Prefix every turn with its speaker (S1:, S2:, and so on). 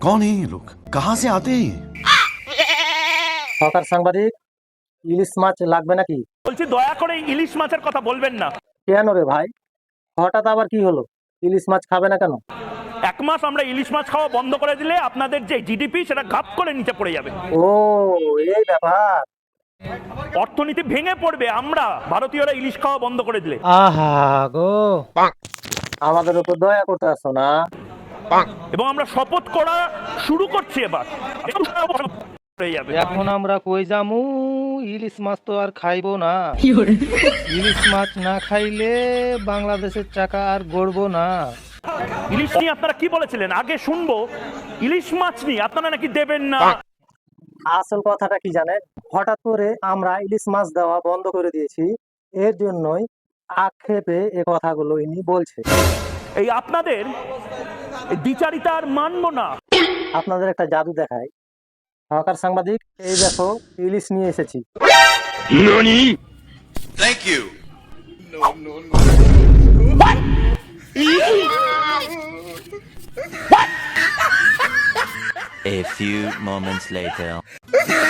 S1: कौन है ये लोग? कहाँ से आते हैं ये?
S2: সরকার সাংবাদিক, ইলিশ মাছ লাগবে নাকি?
S3: বলছি দয়া করে ইলিশ মাছের কথা বলবেন না।
S2: কেন রে ভাই, হঠাৎ আবার কি হলো? ইলিশ মাছ খাবে না কেন?
S3: 1 মাস আমরা ইলিশ মাছ খাওয়া বন্ধ করে দিলে আপনাদের যে জিডিপি সেটা ঘাপ করে নিচে পড়ে যাবে,
S2: ও এই ব্যাপার।
S3: অর্থনীতি ভেঙে পড়বে আমরা ভারতীয়রা ইলিশ খাওয়া বন্ধ করে দিলে।
S2: আহা গো, আমাদের উপর দয়া করতে আসো না।
S3: এবং আমরা শপথ করা শুরু করছি এবার হয়ে যাবে।
S2: এখন আমরা কই যামু? ইলিশ মাছ তো আর খাইবো না। ইলিশ মাছ না খাইলে বাংলাদেশের টাকা আর গড়বো না।
S3: ইলিশ নিয়ে আপনারা কি বলেছিলেন আগে শুনবো, ইলিশ মাছ নিয়ে আপনারা নাকি দেবেন না।
S2: আসল কথাটা কি জানেন? হঠাৎ করে আমরা ইলিশ মাছ দেওয়া বন্ধ করে দিয়েছি, এর জন্যই আক্ষেপে এ কথাগুলো ইনি বলছে।
S3: এই আপনাদের এই দ্বিচারিতা আর মানবো না।
S2: আপনাদের একটা জাদু দেখাই। সরকার সাংবাদিক, এই দেখো ইলিশ নিয়ে এসেছি।
S1: Thank you.
S4: A few moments later.